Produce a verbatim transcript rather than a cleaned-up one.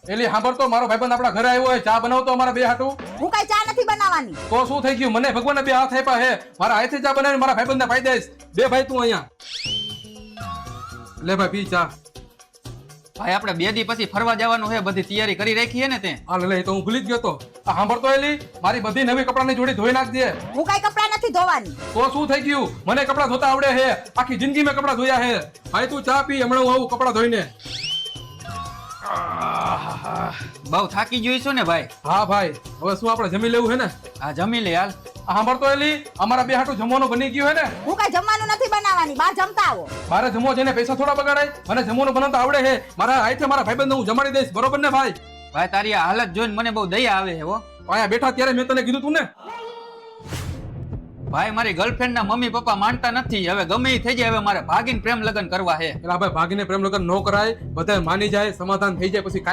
એલી સાંભળતો મારો ભાઈબંધ આપણા ઘરે આવ્યો હોય ચા બનાવતો અમારા બે હાટું હું કઈ ચા નથી બનાવવાની. તો શું થઈ ગયું મને ભગવાનને બે હાથ આપ્યા હે મારા હાથે ચા બનાવીને મારા ભાઈબંધને પાઈ દઈશ બે ભાઈ તું અહીંયા લે ભાઈ પી ચા ભાઈ આપણે બે દી પછી ફરવા જવાનું છે બધી તૈયારી કરી રાખી છે ને તે હા લે તો હું ભૂલી જ ગયો તો આ સાંભળતો એલી મારી બધી નવી કપડાની જોડી ધોઈ નાખજે હું કઈ કપડા નથી ધોવાની. તો શું થઈ ગયું મને કપડા ધોતા આવડે હે આખી જિંદગી મેં કપડા ધોયા હે ભાઈ તું ચા પી હમણાં હું આવું કપડા ધોઈને બહુ થાકી જોઈ છો ને ભાઈ. હા ભાઈ હવે શું આપણે જમી લેવું હે ને આ જમી લે હાલ. આ સાંભળતો એલી અમારા બે હાટું જમવાનું બની ગયું હે ને હું કઈ જમવાનું નથી બનાવવાની. બહાર જમતા આવો. મારે જમવો છે ને પૈસા થોડા બગાડાય મને જમવાનું બનાવતા આવડે હે મારા હાથે મારા ભાઈબંધ હું જમાડી દઈશ બરોબર ને ભાઈ ભાઈ તારી આ હાલત જોઈને મને બહુ દયા આવે છે હો. અહીંયા બેઠા ત્યારે મેં તને કીધું તું ને ભાઈ મારી ગર્લફ્રેન્ડ ના મમ્મી પપ્પા માનતા નથી હવે ગમે એ થઈ જાય હવે મારે ભાગીને પ્રેમ લગ્ન કરવા છે. એટલે ભાઈ ભાગીને પ્રેમ લગ્ન ન કરાય બધા માની જાય સમાધાન થઈ જાય પછી